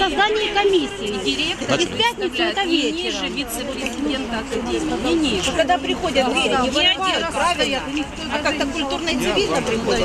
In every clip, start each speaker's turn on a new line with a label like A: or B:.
A: создании комиссии.
B: Директор
A: И в пятницу это
B: не
A: вечером.
B: ниже вице-президента академии, не ниже.
C: Когда приходят двери, не вырывают, правильно? А как-то культурно и цивильно приходят.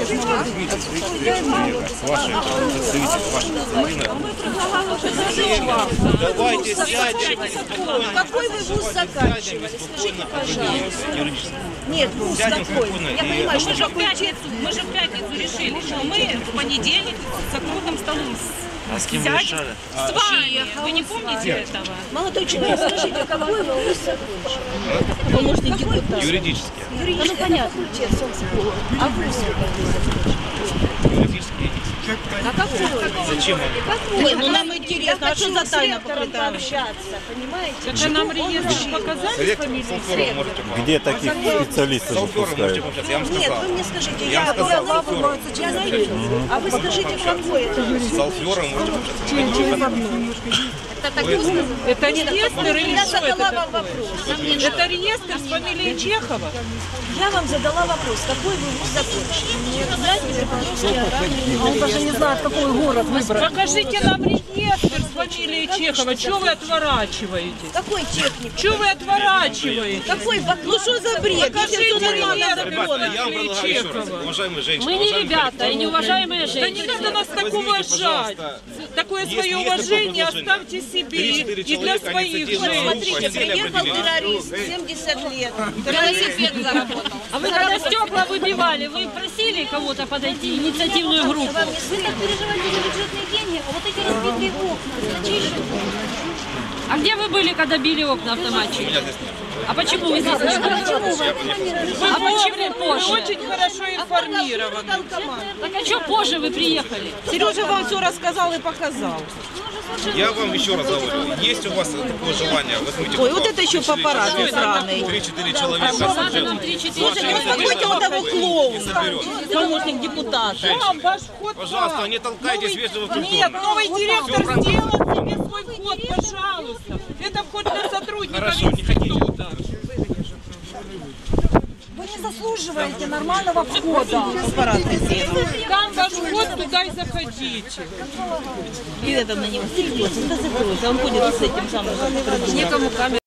D: Давайте сядем.
C: Какой вы вуз заканчивали? Скажите, пожалуйста. Нет, вуз какой? Я понимаю, что
B: Мы же в пятницу решили, что мы в понедельник за круглым столом
D: А с кем вы решали?
B: с вами. Вы не помните этого?
C: молодой человек, скажите, какой вы вуз закончили? Помощник депутата.
D: Юридически.
C: Ну понятно, честно, а вуз вы какой закончили?
D: Юридически.
C: А какой?
D: Зачем вам?
C: Нет, ну нам интересно, а что за тайна покрытая? Пообщаться, понимаете?
B: Это нам реестр показали фамилию?
E: Где таких специалистов выпускают?
D: Я вам
C: Нет,
D: сказал.
C: вы мне скажите,
D: Я вам сказал,
C: я знаю, а вы скажите, какой это вуз?
D: С Алфером можете общаться.
C: Это так сказано?
B: Это реестр или
C: Я
B: что
C: задала
B: это?
C: вам вопрос.
B: Это реестр с фамилией Чехова?
C: Я вам задала вопрос, какой вы вуз закончили? Знаете,
A: Он даже не знает, какой город выбрать.
B: Покажите нам реестр с фамилией Чехова. Чего вы отворачиваетесь?
C: какой техник?
B: Чего вы отворачиваетесь?
C: Какой ну что за бред?
B: Покажите
C: Если
B: реестр
D: Ребята, я вам
B: фамилии
D: предлагаю еще раз.
B: Чехова.
D: Уважаемые женщины,
A: Мы не
D: уважаемые
A: ребята и неуважаемые
B: Да не
A: женщины.
B: надо нас так
D: Возьмите,
B: уважать.
D: пожалуйста,
B: Такое
D: если
B: свое
D: есть
B: уважение
D: такое
B: оставьте себе
D: 3-4
B: и для
D: человека, они
B: своих
D: сидели на
B: женщин.
C: Смотрите,
D: постели
C: приехал
D: определили.
C: террорист, 70 лет.
B: Велосипед заработал.
A: А вы когда стекла выбивали, вы просили кого-то подойти, инициативную группу?
C: Вам не стыдно?
A: Переживайте за бюджетные деньги, а вот эти разбитые окна, зачем? А где вы были, когда били окна автоматчики?
D: Меня здесь нет.
A: А почему вы здесь не были? А почему
B: Вы
A: позже?
B: очень хорошо информированы.
A: Так а что позже вы приехали?
B: Сережа вам все рассказал и показал.
D: Я вам еще раз говорю, есть у вас такое желание, возьмите.
C: Ой, вот это еще папарацци сраный.
D: 3-4 человека.
A: Надо нам 3-4
C: Успокойте вот того клоуна,
D: соберет.
C: помощник депутата.
B: Вам ваш вход
D: Пожалуйста,
B: вам.
D: не толкайтесь вежливо в
B: Нет,
D: культурно.
B: новый директор сделал себе свой вход, пожалуйста. Это вход для сотрудников
D: Хорошо, не хотите.
B: института.
A: Вы не заслуживаете нормального входа.
B: Там ваш вход, туда и заходите.
C: И это на него сидит, он ходит с этим самым.
B: Некому камеру.